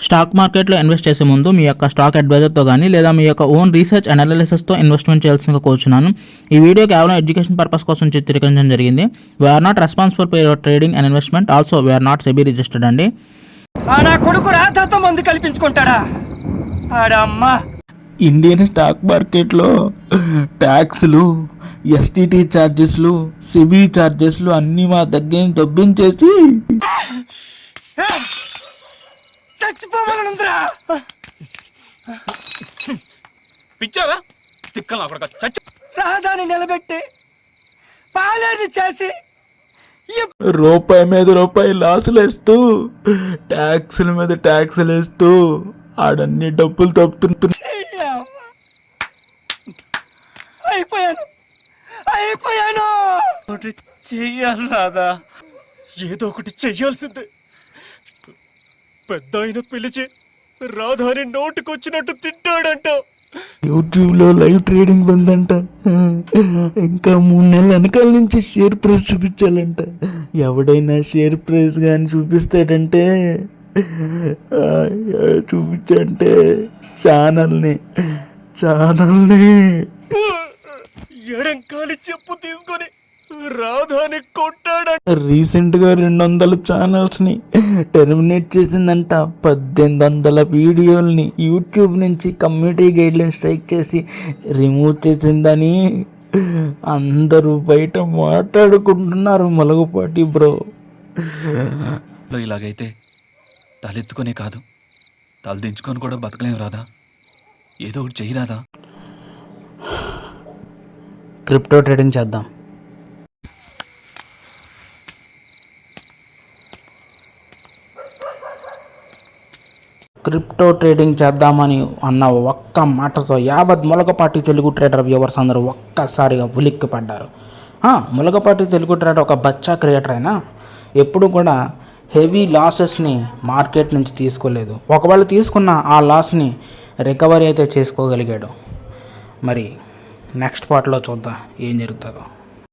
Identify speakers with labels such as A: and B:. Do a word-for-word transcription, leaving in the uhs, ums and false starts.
A: Stock మార్కెట్లో invest చేసే ముందు మీ యొక్క స్టాక్ అడ్వైజర్తో కానీ లేదా మీ యొక్క ఓన్ రీసెర్చ్ అనాలిసిస్తో ఇన్వెస్ట్మెంట్ చేయాల్సిందిగా కోరుచున్నాను. ఈ వీడియో కేవలం ఎడ్యుకేషన్ పర్పస్ కోసం చిత్రీకరించడం జరిగింది. We're not responsible for your trading and investment. Also we're not SEBI registered అండి.
B: నా కొడుకు రాతతో మందు కల్పించుకుంటాడా ఆడమ్మా.
C: ఇండియన్ స్టాక్ మార్కెట్లో ట్యాక్స్లు, ఎస్టీటీ ఛార్జెస్లు, సెబీ ఛార్జెస్లు అన్నీ మా దగ్గర దొబ్బించేసి
B: చచ్చిపోవాలనుందిరా.
D: పిచ్చావా తిక్కలా కొడక చచ్చి
B: రాధాని నిలబెట్టి పాలేరు చేసి
C: రూపాయి మీద రూపాయి లాసులు వేస్తూ ట్యాక్సుల మీద ట్యాక్సులు వేస్తూ ఆడన్ని డబ్బులు తప్పుతున్నా.
B: అయిపోయాను అయిపోయాను
D: ఒకటి చెయ్యాలి రాదా, ఏదో ఒకటి చెయ్యాల్సిందే. పెద్ద ఆయన పిలిచి రాధాని నోటుకొచ్చినట్టు తిట్టాడంట.
C: యూట్యూబ్లో లైవ్ ట్రేడింగ్ బందంట. ఇంకా మూడు నెలల వెనకాల నుంచి షేర్ ప్రైస్ చూపించాలంట. ఎవడైనా షేర్ ప్రైస్ కానీ చూపిస్తాడంటే చూపించంటే ఛానల్ని ఛానల్ని
D: ఎడంకాలి చెప్పు తీసుకొని రాధాని కొట్టాడంట.
C: రీసెంట్గా రెండు వందల ఛానల్స్ని టెర్మినేట్ చేసిందంట. పద్దెనిమిది వందల వీడియోల్ని యూట్యూబ్ నుంచి కమ్యూనిటీ గైడ్లైన్ స్ట్రైక్ చేసి రిమూవ్ చేసిందని అందరూ బయట మాట్లాడుకుంటున్నారు. మొలగపాటి బ్రో,
E: ఇలాగైతే తలెత్తుకొనే కాదు తలదించుకొని కూడా బతకలేం రాదా, ఏదో ఒకటి చెయ్యి రాదా.
A: క్రిప్టో ట్రేడింగ్ చేద్దాం. క్రిప్టో ట్రేడింగ్ చేద్దామని అన్న ఒక్క మాటతో యావత్ ములగపాటి తెలుగు ట్రేడర్ వ్యూవర్స్ అందరూ ఒక్కసారిగా ఉలిక్కి పడ్డారు. ములగపాటి తెలుగు ట్రేడర్ ఒక బచ్చా క్రియేటర్ అయినా ఎప్పుడు కూడా హెవీ లాసెస్ని మార్కెట్ నుంచి తీసుకోలేదు. ఒకవేళ తీసుకున్న ఆ లాస్ని రికవరీ అయితే చేసుకోగలిగాడు. మరి నెక్స్ట్ పార్ట్లో చూద్దాం ఏం జరుగుతుందో.